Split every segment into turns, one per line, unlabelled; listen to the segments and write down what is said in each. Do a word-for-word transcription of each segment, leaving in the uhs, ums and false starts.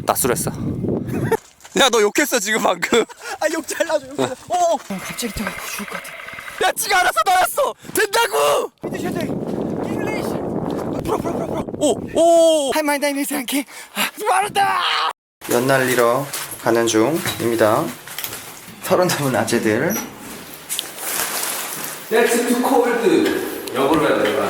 낯설했어. 야, 너 욕했어 지금 방금.
아, 욕 잘라줘, 욕 잘라줘. 어, 갑자기 또 죽을 것 같아.
야, 지가 알아서 나왔어. 된다고.
믿으셔야 돼. 잉글리시. 풀어, 풀어, 풀어, 풀어.
오, 오.
할 말다 이미지 않게. 말한다. 연 날리러 가는 중입니다. 서른 넘은 아재들.
That's too cold. 역으로 해야 되는 거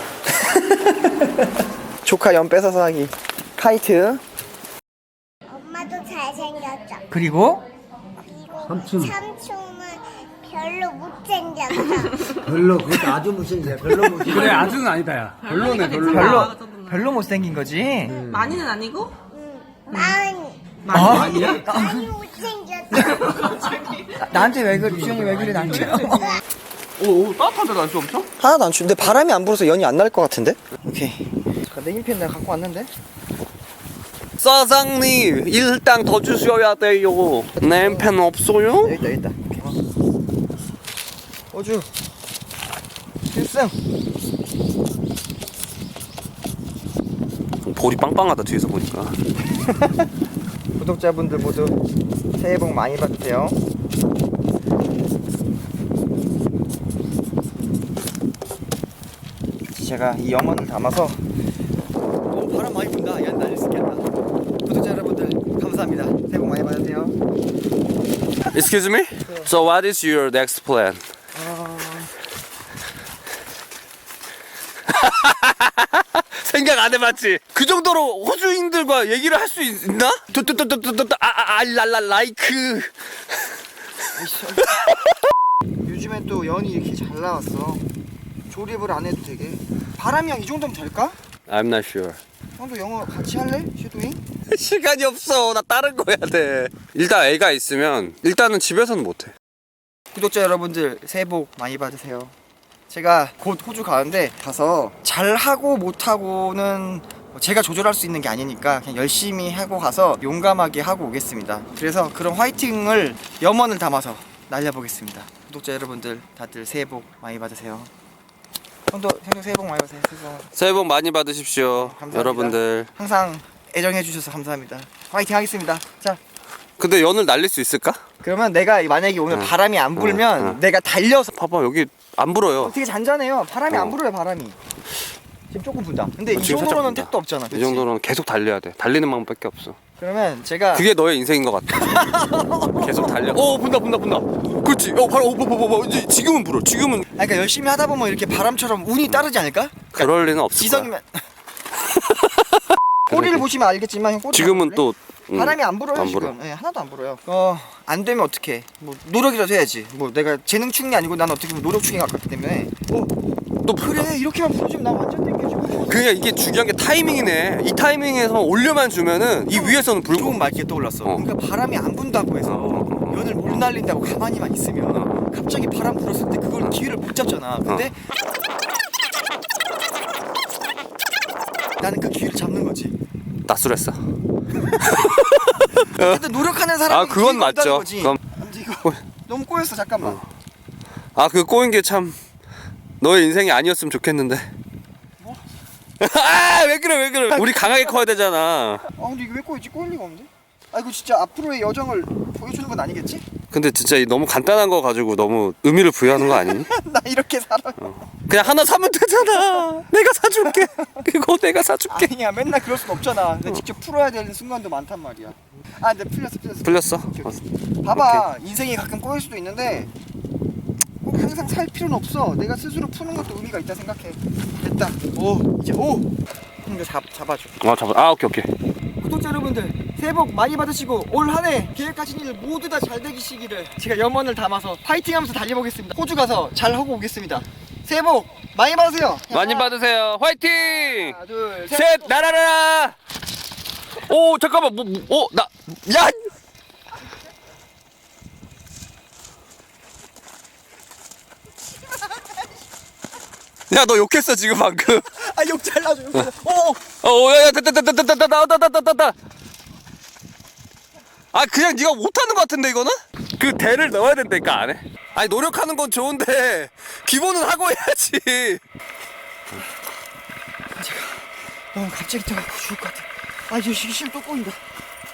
아니야?
조카 연 뺏어서 하기. 카이트.
엄마도 잘생겼죠.
그리고
그리고 삼촌. 삼촌은 별로 못생겼죠.
별로 그것도 아주 못생겨. 별로 못생겨.
그래 아주는 아니다 야. 별로네 별로.
별로 별로 못생긴 거지.
많이는 아니고?
응. 많이.
어?
아니야?
많이 못생겼죠.
나, 나한테 왜 그래? 주영이 왜 그래 나한테?
오, 오, 따뜻한데 날씨 엄청?
하나도 안 추운데 바람이 안 불어서 연이 안 날 것 같은데? 오케이. 냉이팬 내가 갖고 왔는데.
사장님, 일당 더 주셔야 돼요. 냄팬 없어요?
여기 있다 여기 있다. 오케이. 호주 필승.
볼이 빵빵하다 뒤에서 보니까.
구독자분들 모두 새해 복 많이 받으세요. 제가 이 염원을 담아서 너무 바람 많이 분다. 야, 날릴 수 있겠다. 구독자 여러분들 감사합니다. 새해 복 많이 받으세요.
Excuse me? So what is your next plan? 생각 안 해봤지? 그 정도로 호주인들과 얘기를 할 수 있나? 또또또또또또 아알랄라 라이크.
요즘에 또 연이 이렇게 잘 나왔어. 조립을 안 해도 되게. 바람이 형 이 정도면 될까?
I'm not sure.
형도 영어 같이 할래? 쉐도잉?
시간이 없어. 나 다른 거 해야 돼. 일단 애가 있으면 일단은 집에서는 못해.
구독자 여러분들 새해 복 많이 받으세요. 제가 곧 호주 가는데 가서 잘하고 못하고는 제가 조절할 수 있는 게 아니니까 그냥 열심히 하고 가서 용감하게 하고 오겠습니다. 그래서 그런 화이팅을 염원을 담아서 날려보겠습니다. 구독자 여러분들 다들 새해 복 많이 받으세요. 형도 형도 새해 복 많이 받으세요.
새해 복 많이 받으십시오.
감사합니다.
여러분들.
항상 애정해 주셔서 감사합니다. 화이팅 하겠습니다. 자,
근데 연을 날릴 수 있을까?
그러면 내가 만약에 오늘
응.
바람이 안 불면
응, 응.
내가 달려서
봐봐 여기 안 불어요.
되게 잔잔해요. 바람이
어.
안 불어요. 바람이 지금 조금 분다. 근데
어,
이
지금 살짝
정도로는
분다.
택도 없잖아.
이
그치?
정도는 계속 달려야 돼. 달리는 방법밖에 없어.
그러면 제가
그게 너의 인생인 것 같아. 계속 달려. 오 분다 분다 분다. 그렇지. 어 바로 오 봐봐봐. 이제 지금은 불어. 지금은.
아니, 그러니까 열심히 하다 보면 이렇게 바람처럼 운이 따르지 않을까?
그럴 리는 없을 거야.
지성이면 꼬리를 보시면 알겠지만 형 꼬리
지금은
안
또 음,
바람이 안 불어요
안
지금.
불어.
네, 하나도 안 불어요. 어, 안 되면 어떡해. 뭐 노력이라도 해야지. 뭐 내가 재능충이 아니고 난 어떻게 보면 노력충에 가깝기 때문에. 어,
또
그래 이렇게만 불어주면 나 완전 땡겨지고.
그냥 이게 중요한 게 타이밍이네. 이 타이밍에서 올려만 주면은 이 위에서는 불고.
좋은 말기에 떠올랐어.
어.
그러니까 바람이 안 분다고 해서 연을 못 날린다고 가만히만 있으면 갑자기 바람 불었을 때 그걸 기회를 못 잡잖아. 근데 나는 그 기회를 잡는 거지.
낯설했어.
근데 노력하는 사람은
아, 그건
기회가 없다는
맞죠.
거지.
그럼-
근데 이거 너무 꼬였어. 잠깐만.
아 그 꼬인 게 참 너의 인생이 아니었으면 좋겠는데.
뭐?
아 왜 그래 왜 그래. 우리 강하게 커야 되잖아.
아 근데 이게 왜 꼬였지? 꼬일 리가 없는데? 아 이거 진짜 앞으로의 여정을 보여주는 건 아니겠지?
근데 진짜 이 너무 간단한 거 가지고 너무 의미를 부여하는 거 아니니?
나 이렇게 살아.
그냥 하나 사면 되잖아. 내가 사줄게. 그거 내가 사줄게.
아니야 맨날 그럴 순 없잖아. 내가 직접 풀어야 되는 순간도 많단 말이야. 아 근데 풀렸어 풀렸어.
풀렸어?
오케이, 오케이. 봐봐 인생이 가끔 꼬일 수도 있는데 꼭 항상 살 필요는 없어. 내가 스스로 푸는 것도 의미가 있다 생각해. 됐다. 오 이제 오. 이거 잡 잡아줘.
아 잡아. 아 오케이 오케이.
구독자 여러분들 새해 복 많이 받으시고 올 한 해 계획하신 일 모두 다 잘 되시기를 제가 염원을 담아서 파이팅하면서 달려보겠습니다. 호주 가서 잘 하고 오겠습니다. 새해 복 많이 받으세요.
많이 받으세요. 화이팅!
하나 둘 셋.
셋 날아라. 오 잠깐만 뭐뭐나 야. 야 너 욕했어 지금 방금.
아욕 잘라줘. 욕 잘라줘. 어.
어, 야, 야, 됐다, 됐다, 됐다, 됐다, 나왔다, 됐다, 됐다. 아, 그냥 네가 못하는 것 같은데 이거는? 그 대를 넣어야 된다니까 안에. 아니 노력하는 건 좋은데 기본은 하고 해야지.
너무 갑자기 떠갖고 죽을 것 같아. 아 이거 시기 또 꼬인다.